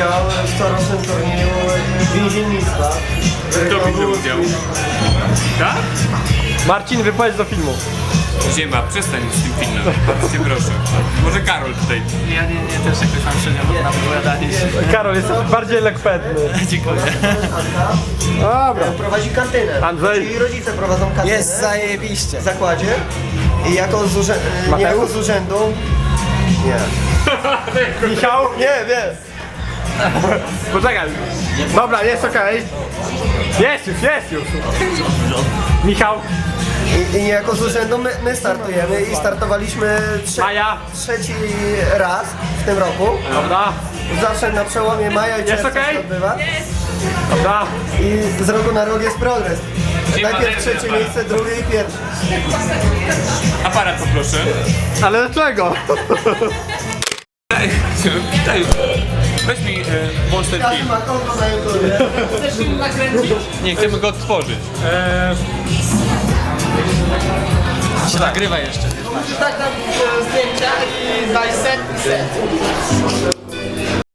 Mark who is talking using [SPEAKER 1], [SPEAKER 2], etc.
[SPEAKER 1] udział w corocznym turnieju więziennictwa.
[SPEAKER 2] Kto bierze udział? Tak?
[SPEAKER 3] Marcin, wypowiedz do filmu.
[SPEAKER 2] Ziema, przestań z tym filmem. Bardzo cię proszę. Może Karol tutaj.
[SPEAKER 4] Ja też jakoś mam średnio na wypowiadanie się.
[SPEAKER 3] Karol, jest bardziej elokwentny.
[SPEAKER 4] Dziękuję.
[SPEAKER 3] Dobra.
[SPEAKER 1] Prowadzi kantynę.
[SPEAKER 3] Andrzej.
[SPEAKER 1] Czyli rodzice prowadzą kantynę.
[SPEAKER 4] Jest zajebiście.
[SPEAKER 1] W zakładzie. I jako z urzędu... Nie.
[SPEAKER 3] Michał?
[SPEAKER 1] Nie, wiem.
[SPEAKER 3] Poczekaj. Dobra, jest okej. Jest już. Michał?
[SPEAKER 1] I niejako z urzędu my startujemy i startowaliśmy
[SPEAKER 3] Maja?
[SPEAKER 1] trzeci raz w tym roku.
[SPEAKER 3] Dobra.
[SPEAKER 1] Zawsze na przełomie maja i czerwca
[SPEAKER 3] okej?
[SPEAKER 1] się odbywa.
[SPEAKER 3] Dobra.
[SPEAKER 1] I z roku na rok jest progres. Najpierw trzecie miejsce, drugie i pierwsze.
[SPEAKER 2] Aparat poproszę.
[SPEAKER 3] Ale dlaczego?
[SPEAKER 2] Daj. Weź mi włącz ten
[SPEAKER 1] Każdy
[SPEAKER 2] film.
[SPEAKER 1] ma konto na YouTube.
[SPEAKER 2] Nie, chcemy go odtworzyć.
[SPEAKER 4] Się nagrywa jeszcze.
[SPEAKER 5] Tak, tam zdjęcia i daj set.